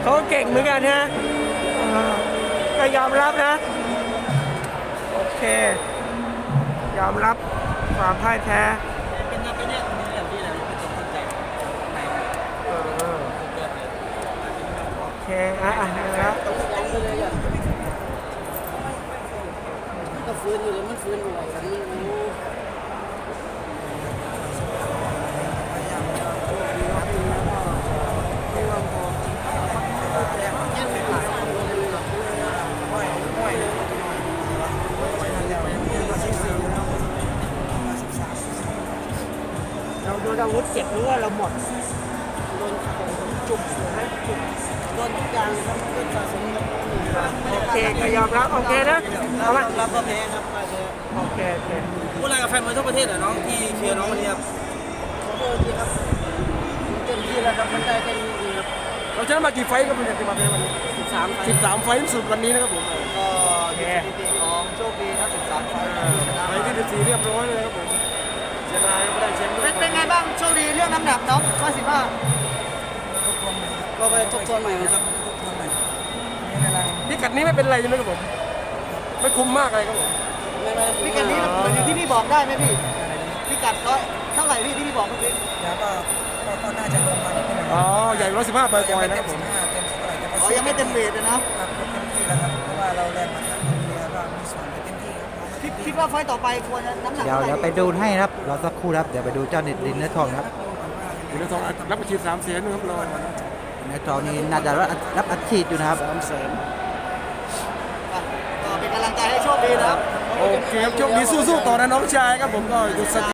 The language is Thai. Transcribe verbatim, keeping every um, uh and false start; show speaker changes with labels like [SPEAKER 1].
[SPEAKER 1] เขาเก่งเหมือนกันนะก็ยอมรับนะโอเคยอมรับความพ่ายแพ้
[SPEAKER 2] เป็นนักเนี่ยมีอย่างที่เราเป็นตัวคนใจ
[SPEAKER 1] โอเคอ่ะอ่ะนะครับ
[SPEAKER 2] ก็ฟื้นอยู่เลยมันฟื้นอยู่อะไรกันนี่
[SPEAKER 1] เราโดนอาวุธเจ็บหรือว่าเราหมด
[SPEAKER 2] โดนจุกนะจุกโดนทุกอย่างครับโดนสะสมครับ
[SPEAKER 1] โอเคก็ยอมรับโอเคนะเอามา
[SPEAKER 2] รับก็แพ้ครับมาเลย
[SPEAKER 1] โอเคโอเค
[SPEAKER 2] พูดอะไรกับแฟนมวยทั่วประเทศเหรอน้องที่เชียร์น้องวันนี้ครับขอโทษทีครับเต็มที่แล้วครับมันได้แค่นี้เองครับ
[SPEAKER 1] เราชนะมากี่ไฟต์ครับคุณจะมาเป็นวันนี้
[SPEAKER 2] สิบสาม
[SPEAKER 1] สิบสามไฟต์สุดวันนี้นะครับผม
[SPEAKER 2] ก็แย่ของโชคดีครับสิบสามไฟต์
[SPEAKER 1] ไฟที่สิบสี่เรียบร้อยเลยครับผมเชียร์นายไม่ได้เชียร์ด้วย
[SPEAKER 2] เป็นไงบ้างโชคดีเรื่องน้ำหนักน้องร้อยสิบห้าก็ไปทบทวนใหม่ครับ
[SPEAKER 1] พิกัดนี้ไม่เป็นไรใช่ไหมครับผมไม่คุ้มมากอะไรครับผม
[SPEAKER 2] พิกัดนี้เหมือนที่พี่บอกได้ไหมพี่พิกัดร้อยเท่าไหร่พี่ที่พี่บอกเมื่อกี้
[SPEAKER 3] เดี๋ยวก็ก็น่าจะลงมานิดนึง
[SPEAKER 1] อ๋อใหญ่ร้อยสิบห้าปลอยๆนะครับผม
[SPEAKER 2] อ๋อยังไม่เต็มเวทเลยนะครับ
[SPEAKER 3] เต็มที่แล้วครับเพราะว่าเราแรงมาทั้งเรือก็มีส่วนเต็มที่
[SPEAKER 2] คิดคิดว่าไฟต่อไปควรน้ำหนัก
[SPEAKER 4] เดี๋ยวเดี๋ยวไปดูให้ครับเราสักครู่ครับเดี๋ยวไปดูเจ้าดินเนื้อทองครับ
[SPEAKER 1] ดินเนื้อทองรับอาชีพสามแสนนะครับรอ
[SPEAKER 4] เนื้อทองนี่น่าจะรับรับอัดฉีดอยู่นะครับ
[SPEAKER 1] สามแสน
[SPEAKER 2] ก็เป็นกำลังใจให้โชคดีนะครับ
[SPEAKER 1] โอเคครับโชคดีสู้ๆต่อนะน้องชายครับผมก็หยุดส